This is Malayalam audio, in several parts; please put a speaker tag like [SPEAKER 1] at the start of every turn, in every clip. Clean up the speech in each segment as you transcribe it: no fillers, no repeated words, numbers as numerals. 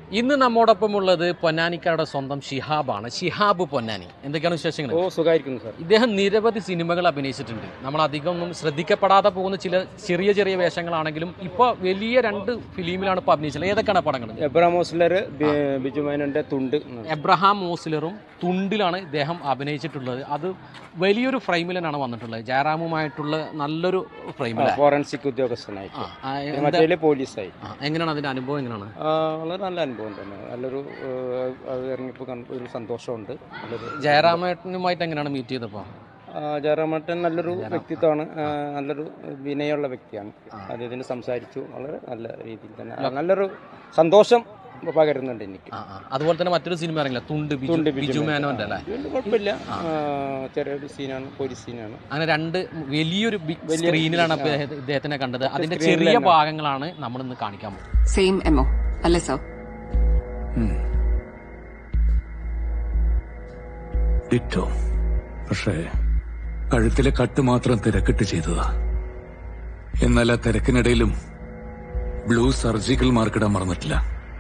[SPEAKER 1] ഇന്ന് നമ്മോടൊപ്പം ഉള്ളത് പൊന്നാനിക്കാരുടെ സ്വന്തം ഷിഹാബാണ്. ഷിഹാബ് പൊന്നാനി, എന്തൊക്കെയാണ് വിശേഷങ്ങൾ?
[SPEAKER 2] സുഖമായിരിക്കുന്നു സാർ.
[SPEAKER 1] ഇദ്ദേഹം നിരവധി സിനിമകൾ അഭിനയിച്ചിട്ടുണ്ട്. നമ്മൾ അധികം ഒന്നും ശ്രദ്ധിക്കപ്പെടാതെ പോകുന്ന ചില ചെറിയ ചെറിയ വേഷങ്ങളാണെങ്കിലും ഇപ്പോൾ വലിയ 2 ഫിലിമിലാണ് ഇപ്പോൾ അഭിനയിച്ചത്. ഏതൊക്കെയാണ് പടങ്ങൾ?
[SPEAKER 2] എബ്രഹാം ഓസ്ലർ, ബിജു മേനോന്റെ തുണ്ട്.
[SPEAKER 1] എബ്രഹാം ഓസ്ലറും തുണ്ടിലാണ് ഇദ്ദേഹം അഭിനയിച്ചിട്ടുള്ളത്. അത് വലിയൊരു ഫ്രെയിമിലാണ് വന്നിട്ടുള്ളത്. ജയറാമുമായിട്ടുള്ള നല്ലൊരു ഫ്രെയിമിലാണ്.
[SPEAKER 2] ഫോറൻസിക് ഉദ്യോഗസ്ഥനായി, പോലീസായി.
[SPEAKER 1] എങ്ങനെയാണ് അതിന്റെ അനുഭവം? എങ്ങനെയാണ്?
[SPEAKER 2] വളരെ നല്ല അനുഭവം തന്നെ. നല്ലൊരു ഇറങ്ങിയപ്പോൾ ഒരു സന്തോഷമുണ്ട്.
[SPEAKER 1] ജയറാമേട്ടനുമായിട്ട് എങ്ങനെയാണ് മീറ്റ് ചെയ്തപ്പോൾ?
[SPEAKER 2] ജയറാമേട്ടൻ നല്ലൊരു വ്യക്തിത്വമാണ്, നല്ലൊരു വിനയമുള്ള വ്യക്തിയാണ്. അദ്ദേഹത്തിന് സംസാരിച്ചു, വളരെ നല്ല രീതിയിൽ തന്നെ നല്ലൊരു സന്തോഷം പകരുന്നുണ്ട് എനിക്ക്.
[SPEAKER 1] അതുപോലെ തന്നെ മറ്റൊരു സിനിമ ഇറങ്ങില്ല, തുണ്ട്, ബിജു മേനോന്റെ അല്ലേ?
[SPEAKER 2] കുഴപ്പമില്ല, ചെറിയൊരു സീനാണ്, പോലീസ് സീനാണ്.
[SPEAKER 1] അങ്ങനെ 2 വലിയൊരു ബിഗ് സ്ക്രീനിലാണ് ഇദ്ദേഹത്തിനെ കണ്ടത്. അതിന്റെ ചെറിയ ഭാഗങ്ങളാണ് നമ്മൾ ഇന്ന് കാണിക്കാൻ പോകുന്നത്.
[SPEAKER 3] സെയിം എമോ അല്ലേ സർ?
[SPEAKER 4] ഡിറ്റോ. പക്ഷേ കഴുത്തിലെ കട്ട് മാത്രം തിരക്കിട്ട് ചെയ്തതാ. എന്നാൽ ആ തിരക്കിനിടയിലും ബ്ലൂ സർജിക്കൽ മാർക്കിടാൻ മറന്നിട്ടില്ല.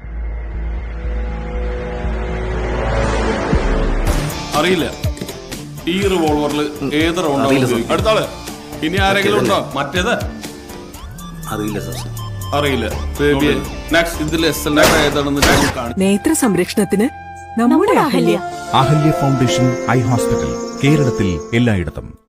[SPEAKER 5] അറിയില്ല ഈ റിവോൾവറിൽ ഏത് റൗണ്ട്. അടുത്താള് ഇനി ആരെങ്കിലും ഉണ്ടോ? മറ്റേത്
[SPEAKER 6] അറിയില്ല സാർ.
[SPEAKER 5] അറിയില്ല. നെക്സ്റ്റ് ഇതിൽ SL ഏതാണെന്ന്
[SPEAKER 7] നേത്ര സംരക്ഷണത്തിന് നമ്മുടെ അഹല്യ
[SPEAKER 8] ഫൗണ്ടേഷൻ ഐ ഹോസ്പിറ്റൽ, കേരളത്തിൽ എല്ലായിടത്തും.